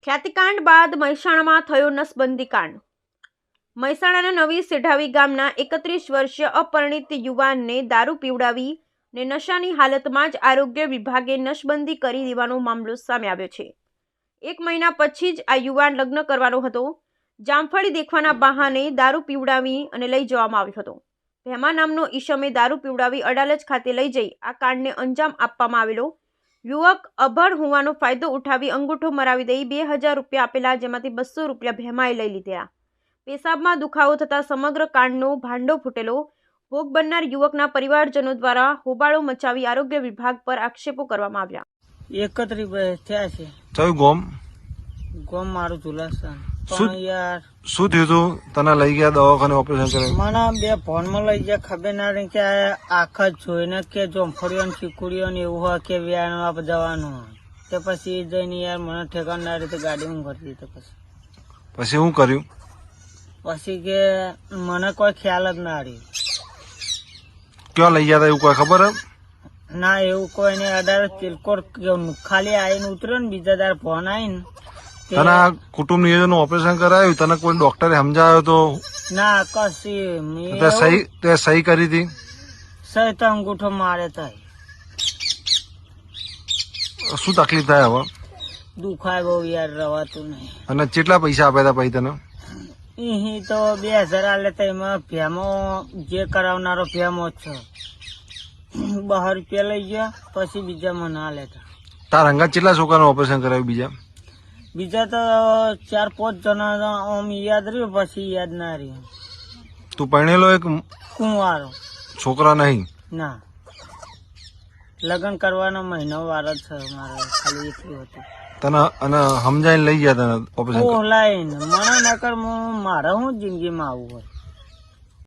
ખ્યાતિકાંડ બાદ મહેસાણામાં થયો નસબંધી કાંડ। મહેસાણાના નવી સેઢાવી ગામના 31 વર્ષીય અપરિણીત યુવાનને દારૂ પીવડાવી ને નશાની હાલતમાં જ આરોગ્ય વિભાગે નસબંધી કરી દેવાનો મામલો સામે આવ્યો છે। 1 મહિના પછી જ આ યુવાન લગ્ન કરવાનો હતો। જામફળી દેખવાના બહાને દારૂ પીવડાવી અને લઈ જવામાં આવ્યો હતો। ભેમા નામનો ઈસમે દારૂ પીવડાવી અડાલજ ખાતે લઈ જઈ આ કાંડને અંજામ આપવામાં આવેલો। યુવક અભણ હોવાનો ફાયદો ઉઠાવી અંગૂઠો મરાવી દઈ 2000 રૂપિયા આપેલા, જેમાંથી 200 રૂપિયા ભેમાએ લઈ લીધા। પેશાબમાં દુખાવો થતા સમગ્ર કાંડનો ભાંડો ફૂટેલો। ભોગ બનનાર યુવકના પરિવારજનો દ્વારા હોબાળો મચાવી આરોગ્ય વિભાગ પર આક્ષેપો કરવામાં આવ્યા। 31 થયા છે। કયું ગામ? ગામ મારું ઝુલાસન। પણ યાર શું થયું તું? તને લઈ ગયા દવાખાને ઓપરેશન કરાવી? મને બે ફોનમાં લઈ ગયા, ખબર ના રહી કે આખા જોઈને કે જોમફળીઓ ને ચીકુડીઓ ને એવું હોય કે વ્યાયામ જવાનું હોય, તે પછી જઈને યાર મને ઠેકાણ ના રીતે ગાડી હું કરી દીધી। પછી શું કર્યું? પછી કે મને કોઈ ખ્યાલ જ ના રહ્યો। ક્યાં લઈ ગયા હતા એવું કોઈ ખબર હે? ના એવું કોઈ નહીં। 18 ચિલકોર ખાલી આવીને ઉતર્યો ને બીજા દાર ફોન આવીને તને આ કુટુંબ નિયોજન ઓપરેશન કરાયું, તને કોઈ ડોક્ટરે સમજાયો તો? ના કશી તે સહી કરી હતી? સહી તો અંગૂઠો મારે થાય। શું તકલીફ થાય હવે? દુખાય બહુ યાર, રવાતું નહીં। અને કેટલા પૈસા આપ્યા હતા પછી તને? અહીં તો 2000 આલે તો એમાં ભેમો જે કરાવનારો ભેમો જ છે। 12 રૂપિયા લઈ ગયા, પછી બીજા મને આલે હતા। તાર હંગાત કેટલા છોકરાનું ઓપરેશન કરાવ્યું? બીજા તો 4-5 જણા આમ યાદ રહ્યું, પછી યાદ ના રહ્યું। તું પરણેલો એક કુંવારો? છોકરા નહીં? ના, લગ્ન કરવાનો મહિનો વાર જ છે મારે, ખાલી એટલું હતું। તને અને સમજાઈને લઈ ગયા તને ઓપરેશન? ઓહલાઈને મને નકર મારે હું જિંદગીમાં આવું હોય।